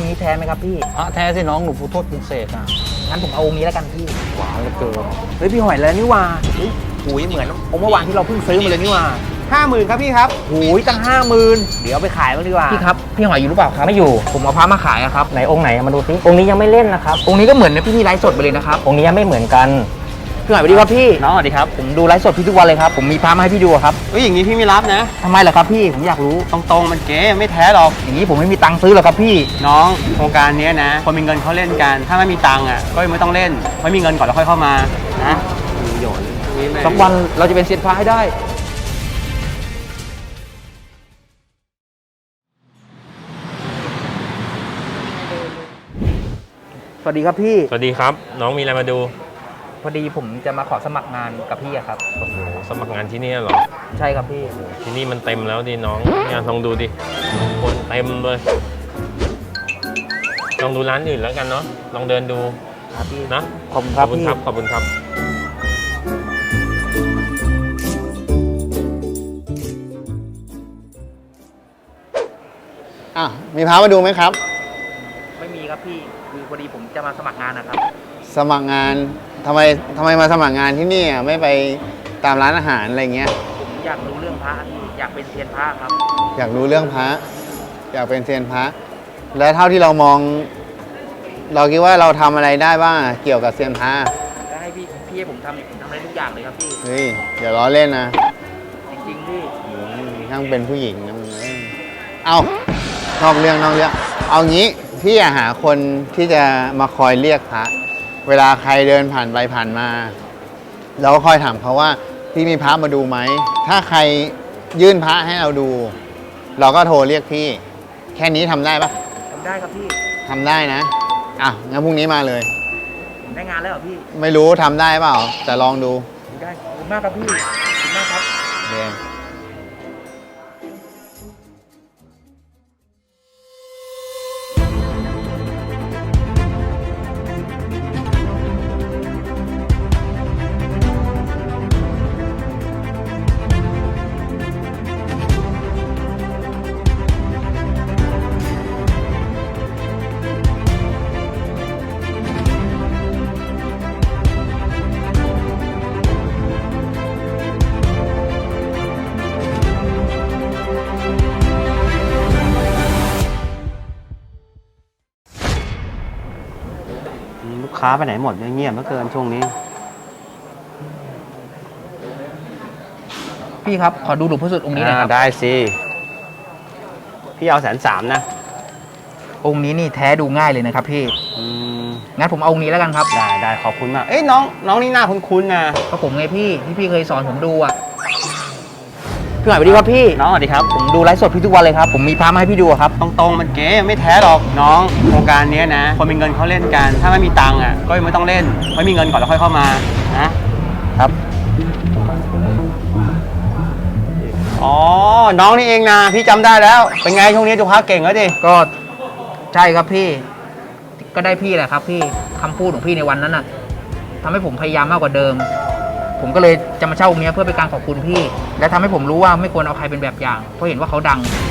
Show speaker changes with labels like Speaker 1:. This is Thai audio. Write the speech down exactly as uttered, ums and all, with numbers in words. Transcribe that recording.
Speaker 1: นี้แท้ไหมครับพี่
Speaker 2: พระแท้สิน้องหลวงปู่ทวดปลุกเสกอ่ะ
Speaker 1: งั้นผมเอาองค์นี้แล้วกันพี่
Speaker 2: หวานเหลือเกิน
Speaker 1: เฮ้ยพี่หอยแล้วนี่ว่าเฮ้ยหูยเหมือนองค์เมื่อวานที่เราเพิ่งซื้อมาเลยนี่ว่า
Speaker 3: ห้าหมื่นครับพี่ครับ
Speaker 1: หูยตั้งห้าหมื่นเดี๋ยวไปขายบ้างดีกว่าพี่ครับพี่หอยอยู่หรือเปล่าครับไม่อยู่ผมเอาพระมาขายอะครับไหนองค์ไหนมาดูซิองค์นี้ยังไม่เล่นนะครับองค์นี้ก็เหมือนในพิธีไลฟ์สดไปเลยนะครับองค์นี้ยังไม่เหมือนกันพี่หอยสวัสดีครับพี่
Speaker 3: น้องสวัสดีครับ
Speaker 1: ผมดูไลฟ์สดพี่ทุกวันเลยครับผมมีพระมาให้พี่ดูครับ
Speaker 3: เฮ้ยอย่างนี้พี่ไม่รับนะ
Speaker 1: ทำไมล่ะครับพี่ผมอยากรู้
Speaker 3: ตรงๆมันเก๋ไม่แท้หรอก
Speaker 1: อย่างนี้ผมไม่มีตังค์ซื้อหรอกครับพี่
Speaker 3: น้องโครงการนี้นะคนมีเงินเขาเล่นกันถ้าไม่มีตังค์อ่ะก็ไม่ต้องเล่นไม่มีเงินก่อนแล้วค่อยเข้ามานะมีโยน
Speaker 1: สักวันเราจะเป็นเซียนพระให้ได้สวัสดีครับพี่
Speaker 4: สวัสดีครับน้องมีอะไรมาดู
Speaker 1: พอดีผมจะมาขอสมัครงานกับพี่ครับ
Speaker 4: โอ้โหสมัครงานที่นี่เหรอ
Speaker 1: ใช่ครับพี่
Speaker 4: ที่นี่มันเต็มแล้วดิน้องงานลองดูดิคนเต็มเลยลองดูร้านอื่นแล้วกันเนาะลองเดินดู
Speaker 1: ครับพี่
Speaker 4: นะ
Speaker 1: ขอบคุณครับพี่
Speaker 4: ขอบคุณครับ
Speaker 3: อ่ะมีพามาดูไหมครับ
Speaker 1: ไม่มีครับพี่คือพอดีผมจะมาสมัครงานนะครับ
Speaker 3: สมัครงานทำไมทำไมมาสมัครงานที่นี่อ่ะไม่ไปตามร้านอาหารอะไรเงี้ย
Speaker 1: ผมอยากรู้เรื่องพระอยากเป็นเซียนพระครับ
Speaker 3: อยากรู้เรื่องพระอยากเป็นเซียนพระแล้วเท่าที่เรามอง เราคิดว่าเราทำอะไรได้บ้างเกี่ยวกับเซียนพระ
Speaker 1: ก็ให้พี่พี่ให้ผมทำผมทำอะไรทุกอย่างเลยครับพี่
Speaker 3: เฮ้ยเดี๋ยวล้อเล่นนะ
Speaker 1: จริงๆพี่
Speaker 3: ช่างเป็นผู้หญิงนะมึงเอานอกเรื่องนอกเรื่องเอางี้พี่อยากหาคนที่จะมาคอยเรียกพระเวลาใครเดินผ่านไปผ่านมาเราก็คอยถามเขาว่าพี่มีพระมาดูไหมถ้าใครยื่นพระให้เราดูเราก็โทรเรียกพี่แค่นี้ทำได้ปะ
Speaker 1: ทำได้ครับพี่
Speaker 3: ทำได้นะอ่ะงั้นพรุ่งนี้มาเลย
Speaker 1: ผมได้งานแล้วเหรอพี่
Speaker 3: ไม่รู้ทำได้เปล่าแต่ลองดู
Speaker 1: ได้ขอบคุณมากครับพี่ขอบคุณมากครับ
Speaker 3: เดี๋ยวลูกค้าไปไหนหมดเงียบเมื่อเกินช่วงนี้
Speaker 1: พี่ครับขอดูหลวงพ่อสุดองค์นี้หน่อยครับ
Speaker 3: ได้สิพี่เอาแสนสามนะ
Speaker 1: องค์นี้นี่แท้ดูง่ายเลยนะครับพี่งั้นผมเอาองค์นี้แล้วกันครับ
Speaker 3: ได้ได้ขอบคุณมากเอ้ยน้องน้องนี่หน้าคุ้นๆนะ
Speaker 1: ก็ผมไงพี่ที่พี่เคยสอนผมดูอ่ะพี่หอยสวัสดีครับพี่
Speaker 3: น้องสวัสดีครับ
Speaker 1: ผมดูไลฟ์สดพี่ทุกวันเลยครับผมมีพระมาให้พี่ดูครับ
Speaker 3: ตรงๆมันเก๋ไม่แท้หรอกน้องโครงการนี้นะคนมีเงินเขาเล่นกันถ้าไม่มีตังค์อ่ะก็ไม่ต้องเล่นไม่มีเงินก่อนแล้วค่อยเข้ามานะครับอ๋อน้องนี่เองนะพี่จำได้แล้วเป็นไงช่วงนี้ดูพระเก่งแล้วดิ
Speaker 1: ก็ใช่ครับพี่ก็ได้พี่แหละครับพี่คำพูดของพี่ในวันนั้นน่ะทำให้ผมพยายามมากกว่าเดิมผมก็เลยจะมาเช่าองค์นี้เพื่อเป็นการขอบคุณพี่และทำให้ผมรู้ว่าไม่ควรเอาใครเป็นแบบอย่างเพราะเห็นว่าเขาดัง